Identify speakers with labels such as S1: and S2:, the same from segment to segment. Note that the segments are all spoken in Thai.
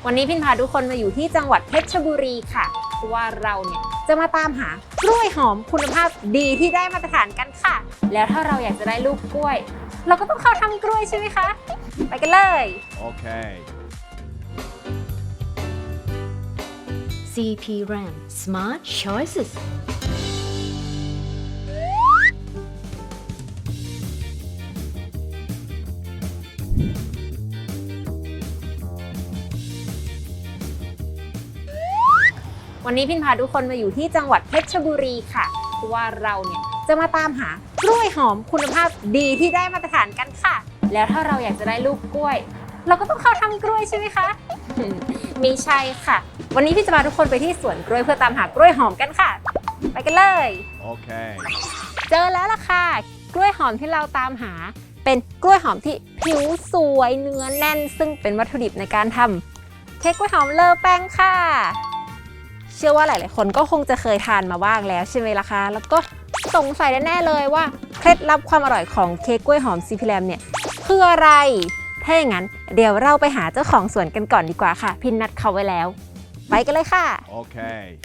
S1: วันนี้พินพาทุกคนมาอยู่ที่จังหวัดเพชรบุรีค่ะเพราะว่าเราเนี่ยจะมาตามหากล้วยหอมคุณภาพดีที่ได้มาตรฐานกันค่ะแล้วถ้าเราอยากจะได้ลูกกล้วยเราก็ต้องเข้าทำกล้วยใช่ไหมคะไปกันเลย
S2: โอเค
S3: CP RAM Smart Choices
S1: วันนี้พินพาทุกคนมาอยู่ที่จังหวัดเพชรบุรีค่ะเพราะว่าเราเนี่ยจะมาตามหากล้วยหอมคุณภาพดีที่ได้มาตรฐานกันค่ะแล้วถ้าเราอยากจะได้ลูกกล้วยเราก็ต้องเข้าทำกล้วยใช่ไหมคะ ไม่ใช่ค่ะวันนี้พี่จะพาทุกคนไปที่สวนกล้วยเพื่อตามหากล้วยหอมกันค่ะไปกันเลย
S2: โอเค
S1: เจอแล้วล่ะค่ะกล้วยหอมที่เราตามหาเป็นกล้วยหอมที่ผิวสวยเนื้อแน่นซึ่งเป็นวัตถุดิบในการทำเค้กกล้วยหอมเลอแป้งค่ะเชื่อว่าหลายๆคนก็คงจะเคยทานมาบ้างแล้วใช่ไหมล่ะคะแล้วก็สงสัยแน่ๆเลยว่าเคล็ดลับความอร่อยของเค้กกล้วยหอม CP RAM เนี่ยคืออะไรถ้าอย่างนั้นเดี๋ยวเราไปหาเจ้าของสวนกันก่อนดีกว่าค่ะพินนัดเขาไว้แล้วไปกันเลยค่ะ
S2: โอเค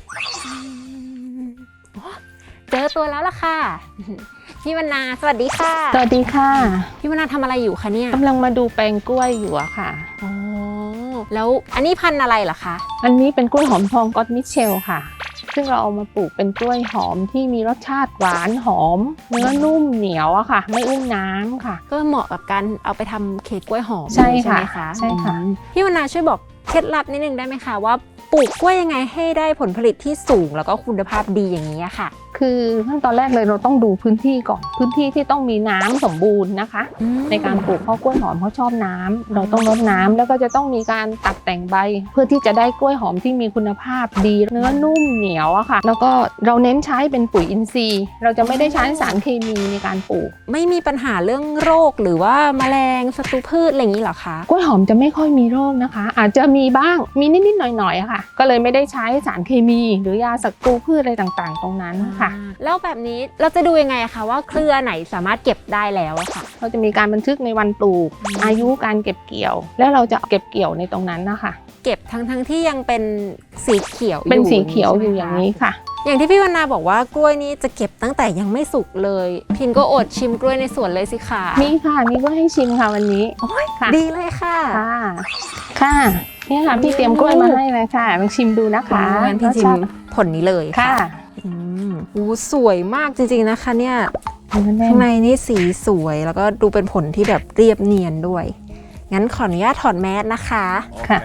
S1: เจอตัวแล้วล่ะค่ะพี่วรรณาสวัสดีค่ะ
S4: สวัสดีค่ะ
S1: พี่วรรณาทำอะไรอยู่คะเนี่ย
S4: กำลังมาดูแปลงกล้วยอยู่อะค่ะ
S1: อ๋อแล้วอันนี้พันธุ์อะไรเหรอคะ
S4: อันนี้เป็นกล้วยหอมทองก็อตมิเชลค่ะซึ่งเราเอามาปลูกเป็นกล้วยหอมที่มีรสชาติหวานหอมเนื้อนุ่มเหนียวอะค่ะไม่อุ้มน้ำค่ะ
S1: ก็เหมาะกับการเอาไปทำเค้กกล้วยหอม
S4: ใช่
S1: ไหม
S4: ค่ะ
S1: คะ
S4: ใช่ค่ะ
S1: พี่วรรณาช่วยบอกเคล็ดลับนิดนึงได้ไหมคะว่าปลูกกล้วยยังไงให้ได้ผลผลิตที่สูงแล้วก็คุณภาพดีอย่างนี้ค่ะ
S4: คือขั้นตอนแรกเลยเราต้องดูพื้นที่ก่อนพื้นที่ที่ต้องมีน้ำสมบูรณ์นะคะในการปลูกเพราะกล้วยหอมเขาชอบน้ำเราต้องรดน้ำแล้วก็จะต้องมีการตัดแต่งใบเพื่อที่จะได้กล้วยหอมที่มีคุณภาพดีเนื้อนุ่มเหนียวอะค่ะแล้วก็เราเน้นใช้เป็นปุ๋ยอินทรีย์เราจะไม่ได้ใช้สารเคมีในการปลูก
S1: ไม่มีปัญหาเรื่องโรคหรือว่าแมลงศัตรูพืชอะไรอย่างนี้เหรอคะ
S4: กล้วยหอมจะไม่ค่อยมีโรคนะคะอาจจะมีบ้างมีนิดๆหน่อยๆค่ะก็เลยไม่ได้ใช้สารเคมีหรือยาศัตรูพืชอะไรต่างๆตรงนั้นค่ะ
S1: แล้วแบบนี้เราจะดูยังไงคะว่าเครือไหนสามารถเก็บได้แล้วอะค่ะ
S4: เราจะมีการบันทึกในวันปลูกอายุการเก็บเกี่ยวแล้วเราจะเก็บเกี่ยวในตรงนั้นนะคะ
S1: เก็บทั้งที่ยังเป็นสีเขียว
S4: เป็นสีเขียวอยู่อย่างนี้ค่ะ
S1: อย่างที่พี่วรรณาบอกว่ากล้วยนี้จะเก็บตั้งแต่ยังไม่สุกเลยพินก็อดชิมกล้วยในสวนเลยสิค่ะ
S4: มีค่ะมีก็ให้ชิมค่ะวันนี้
S1: โอ้ยดีเลยค่ะ
S4: ค่ะนี่ค่ะพี่เตรียมกล้วยมาให้เลยค่ะลองชิมดูนะคะ
S1: งั้นพี่ชิมผลนี้เลย
S4: ค่ะ
S1: สวยมากจริงๆนะคะเนี่ยข้างในนี่สีสวยแล้วก็ดูเป็นผลที่แบบเรียบเนียนด้วยงั้นขออนุญาตถอดแมสนะคะ
S4: ค่ะ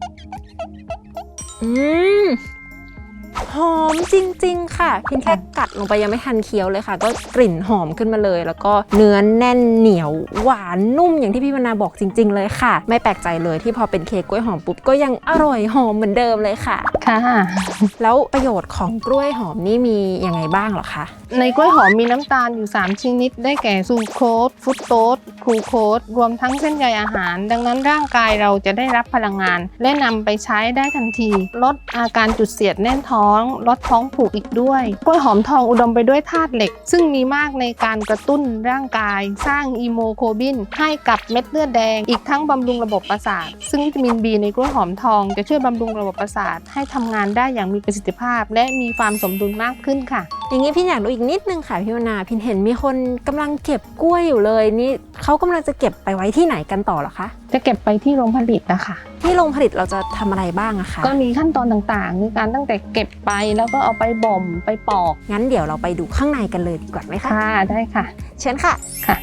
S1: หอมจริงๆค่ะพินแค่กัดลงไปยังไม่ทันเคี้ยวเลยค่ะก็กลิ่นหอมขึ้นมาเลยแล้วก็เนื้อแน่นเหนียวหวานนุ่มอย่างที่พี่วรรณาบอกจริงๆเลยค่ะไม่แปลกใจเลยที่พอเป็นเค้กกล้วยหอมปุ๊บก็ยังอร่อยหอมเหมือนเดิมเลยค่ะ
S4: ค่ะ
S1: แล้วประโยชน์ของกล้วยหอมนี่มียังไงบ้างเหรอคะ
S4: ในกล้วยหอมมีน้ำตาลอยู่3ชนิดได้แก่ซูโคสฟรุตโตสกลูโคสรวมทั้งเส้นใยอาหารดังนั้นร่างกายเราจะได้รับพลังงานและนำไปใช้ได้ทันทีลดอาการจุดเสียดแน่นท้องลดท้องผูกอีกด้วยกล้วยหอมทองอุดมไปด้วยธาตุเหล็กซึ่งมีมากในการกระตุ้นร่างกายสร้างอีโมโคบินให้กับเม็ดเลือดแดงอีกทั้งบำรุงระบบประสาทซึ่งวิตามิน B ในกล้วยหอมทองจะช่วยบำรุงระบบประสาทให้ทำงานได้อย่างมีประสิทธิภาพและมีความสมดุลมากขึ้นค่ะ
S1: อย่างนี้พี่อยากรู้อีกนิดนึงค่ะพี่วรรณาพินเห็นมีคนกำลังเก็บกล้วยอยู่เลยนี่เขากำลังจะเก็บไปไว้ที่ไหนกันต่อเหรอคะ
S4: จะเก็บไปที่โรงผลิตนะคะ
S1: ที่โรงผลิตเราจะทำอะไรบ้างอะคะ
S4: ก็มีขั้นตอนต่างๆในการตั้งแต่เก็บไปแล้วก็เอาไปบ่มไปปอก
S1: งั้นเดี๋ยวเราไปดูข้างในกันเลยดีกว่าไหมคะ
S4: ค่ะได้ค่ะ
S1: เชิญค่ะ
S4: ค่ะ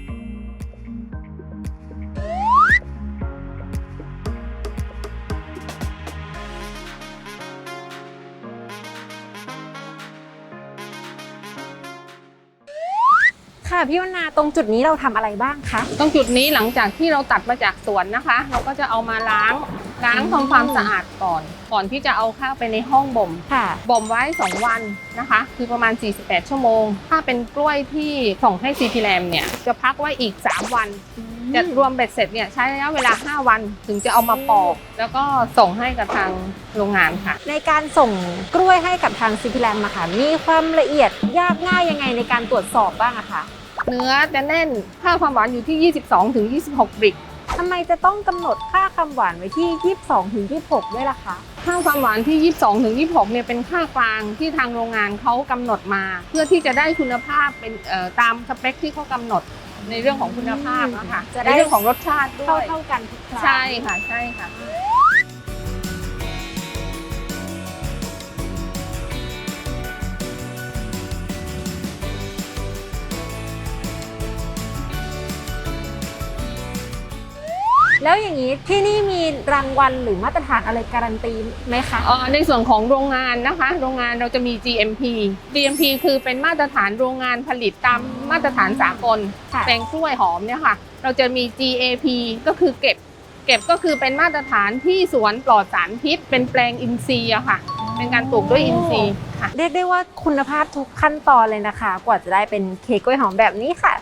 S1: ค่ะพี่วรรณาตรงจุดนี้เราทำอะไรบ้างคะ
S4: ตรงจุดนี้หลังจากที่เราตัดมาจากสวนนะคะเราก็จะเอามาล้างทำความสะอาดก่อนที่จะเอาเข้าไปในห้องบ่ม
S1: ค่ะ
S4: บ่มไว้2วันนะคะคือประมาณ48ชั่วโมงถ้าเป็นกล้วยที่ส่งให้ CP RAM เนี่ยจะพักไว้อีก3วันจะรวมเบ็ดเสร็จเนี่ยใช้ระยะเวลา5วันถึงจะเอามาปอกแล้วก็ส่งให้กับทางโรงงานค่ะ
S1: ในการส่งกล้วยให้กับทาง CP RAM อะค่ะมีความละเอียดยากง่ายยังไงในการตรวจสอบบ้างอะคะ
S4: เนื้อจะแน่นค่าความหวานอยู่ที่ 22-26 บริกถ้
S1: ทำไมจะต้องกำหนดค่าความหวานไว้ที่ 22-26 ด้วยล่ะคะ
S4: ค่าความหวานที่ 22 ถึง 26 เนี่ยเป็นค่ากลางที่ทางโรงงานเขากำหนดมา เพื่อที่จะได้คุณภาพเป็นตามสเปคที่เขากำหนดในเรื่องของคุณภาพนะคะ
S1: จะได้
S4: ในเรื่องของรสชาติด้วย
S1: เท่ากันทุกครั้ง
S4: ใช่ค่ะใช่ค่ะ
S1: แล้วอย่างนี้ที่นี่มีรางวัลหรือมาตรฐานอะไรการันตีไหมคะ
S4: ในส่วนของโรงงานนะคะ โรงงานเราจะมี GMP คือเป็นมาตรฐานโรงงานผลิตตามมาตรฐานสากล
S1: ค่ะ
S4: แปลงกล้วยหอมเนี่ยค่ะ เราจะมี GAP ก็คือเก็บก็คือเป็นมาตรฐานที่สวนปลอดสารพิษ เป็นแปลงอินทรีย์อะค่ะ เป็นการปลูกด้วยอินทรีย์ค่ะ
S1: เรียกได้ว่าคุณภาพทุกขั้นตอนเลยนะคะ กว่าจะได้เป็นเค้กกล้วยหอมแบบนี้ค่ะ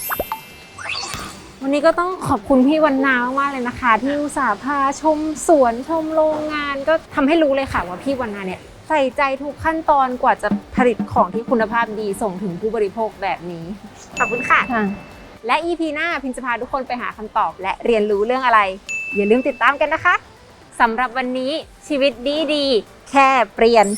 S1: วันนี้ก็ต้องขอบคุณพี่วันนามากๆเลยนะคะ ที่อุตส่าห์พาชมสวนชมโรงงานก็ทำให้รู้เลยค่ะว่าพี่วันนาเนี่ยใส่ใจทุกขั้นตอนกว่าจะผลิตของที่คุณภาพดีส่งถึงผู้บริโภคแบบนี้ ขอบคุณค่ะ และ EP หน้าพิมจะพาทุกคนไปหาคำตอบ และเรียนรู้เรื่องอะไร อย่าลืมติดตามกันนะคะสำหรับวันนี้ชีวิตดีๆแค่เปลี่ยน